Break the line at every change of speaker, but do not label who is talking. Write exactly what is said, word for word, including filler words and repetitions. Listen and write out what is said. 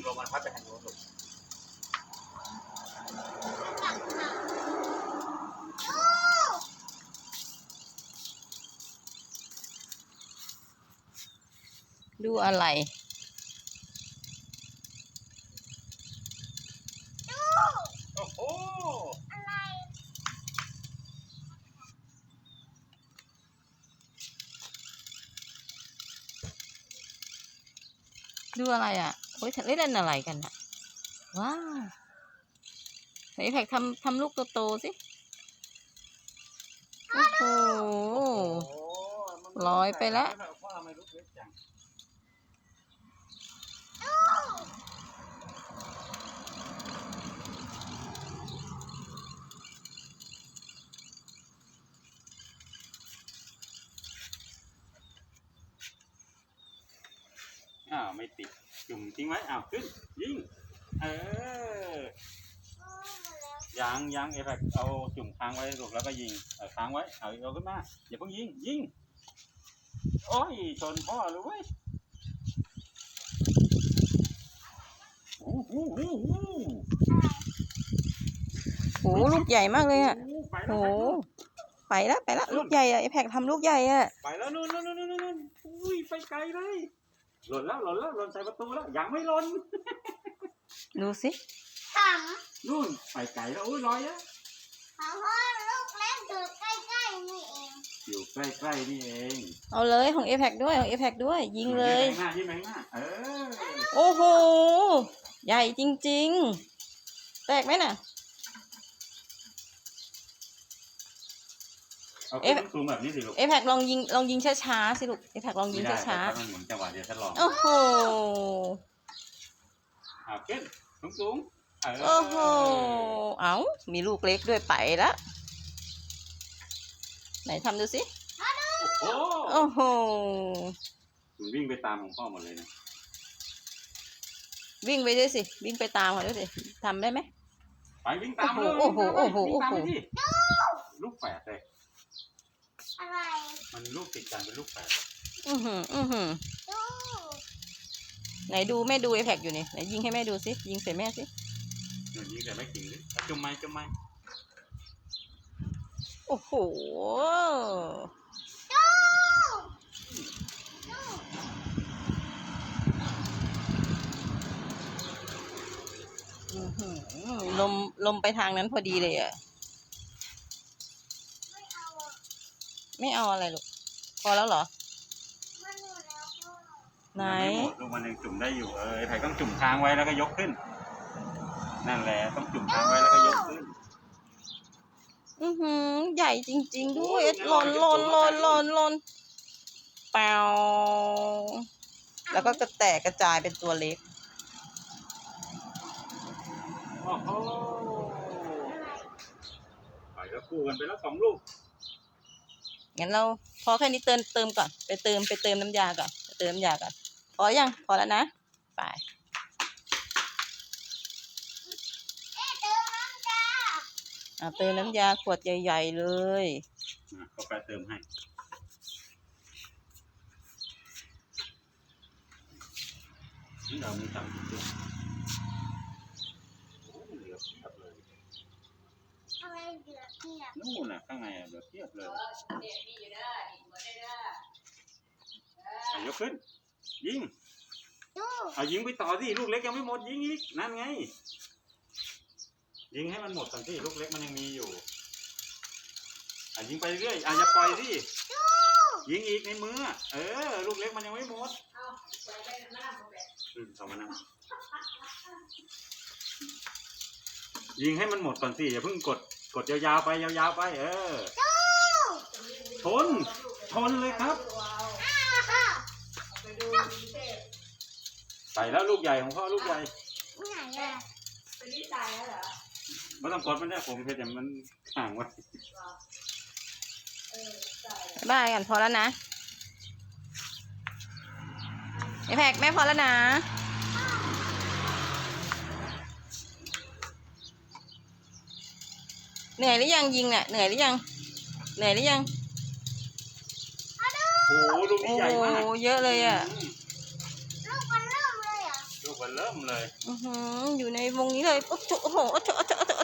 ลมมันพัดไปทางโน้นลูก
ดูอะไร
โอ้โหอะไร
ดูอะไรอ่ะโอ้ยเล่นอะไรกันอ่ะว้าวไหนแพกทำทำลูกโตๆสิโอ้โหลอยไปแล้ว
อ้าวไม่ติดจุ่มทิ้งไว้อ้าวขึ้นยิงเออยังยังเอฟเอาจุ่มค้างไว้ลูกแล้วก็ยิงเออค้างไว้เอาเอาขึ้นมาอย่าเพิ่งยิงยิงโอ้ยชนพ่อเลยเว้ยโอ้โหโอ้โห
โหลูกใหญ่มากเลยอ่ะ
โอ้
โหไปแล้วไปแล้วลูกใหญ่อ่ะไอแพกทำลูกใหญ่อ่ะ
ไปแล้วนู่นนู่นนู่นนู่นอุ้ยไปไกลเลยหล่นแล้วหล่นแล้วหล่นใส่ประตูแล้วยังไม่หล่น
ดูสิ
ถาม
นู่นไปไกลแล้วอุ้ยลอยแล้ว
ถามพ่อลูกเล็กอยู่ใกล้ๆนี่เอง
อยู่ใกล้ๆนี่เอง
เอาเลยของเอแพกด้วยของเอแพกด้วยยิงเลย
ยิงหน้ายิงหน้าเออ
โอ้โหใหญ่จริงๆแตกไหมน่ะ
เอาซูมแบบนี้สิลูก
เอแพกลองยิงลองยิงช้าๆสิลูกเอแพกลองยิงช้า
ๆมันหมุนจังหวะเดียวทดลอง
โอ้โห
อ่าขึ้นสูงๆ
โอ้โหเอ้ามีลูกเล็กด้วยไปแล้วไหนทำดูสิ
โอ้
โอ้โห
มันวิ่งไปตามของพ่อหมดเลยนะ
วิ่งไปด้วยสิวิ่งไปตามเขาด้วยสิทำได้ไหม
ไปวิ่งตามเลย
โอ้โหโอ้โหโอ้โห
ลูกแฝดเลย
อะไร
มันลูกติดกันเป็นลูกแฝด
อือหืออือหือไหนดูแม่ดูไอแพกอยู่นี่ไหนยิงให้แม่ดูสิยิงใส่แม่สิ
หนูยิงใส่แม่จริงดิจุ่มไม้จุ่มไม้
โอ้โหลมลมไปทางนั้นพอดีเลยอ่ะไม่เอาอะไรลูกพอแล้วเหรอไหน
ลูกมันยังจุ่มได้อยู่เออไผ่ต้องจุ่มค้างไว้แล้วก็ยกขึ้นนั่นแหละต้องจุ่มค้างไว้แล้วก็ยกขึ้น
อือหือใหญ่จริงๆด้วยหล่นหล่นหล่นหล่นหล่นเปล่าแล้วก็กระแตกกระจายเป็นตัวเล็ก
โอ้โหไปแล้วคู่กันไปแล้วสองลูก
งั้นเราพอแค่นี้เติมเติมก่อนไปเติมไปเติมน้ำยาก่อนไปเติมน้ำยาก่อนพอยังพอแล้วนะไปอ่ะเติมน้ำยาขวดใหญ่ๆเลย
ก็ไปเติมให้นี่เรามีตังค์ด้วยโอ้เหลือเพียบเลย
อะไรเหลือเพียบ
นู่นน่ะข้างในเหลือเพียบเลยยกขึ้นยิงเอายิงไปต่อสิลูกเล็กยังไม่หมดยิงอีกนั่นไงยิงให้มันหมดก่อนสิลูกเล็กมันยังมีอยู่อ่ะยิงไปเรื่อยอ่ะอย่าปล่อยสิยิงอีกในมือเออลูกเล็กมันยังไม่หมดอืมสองมันนะยิงให้มันหมดก่อนสิอย่าเพิ่งกดกดยาวๆไปยาวๆไปเออชนชนเลยครับใส่แล้วลูกใหญ่ของพ่อลูกใหญ่
ไหนอะ
เป็นนิสัยแล้วเหรอ
ไม่ต้องกดมันได้ผมเพียงแต่มันห่างไว้
บ้ายกันพอแล้วนะไอแพกแม่พอแล้วนะเหนื่อยหรือยังยิงเนี่ยเหนื่อยหรือยังเหนื่อยหรือยัง
โอ้โหลูกนี้ใหญ่มาก
โอ้เยอะเลยอ่ะ
ลูกมันเริ่มเลยอ่ะ
ลูกกมันเริ่มเลย
อือหืออยู่ในวงนี้เลยโอ้โหโอ้โหโอ้โหโอ้โหโอ้โห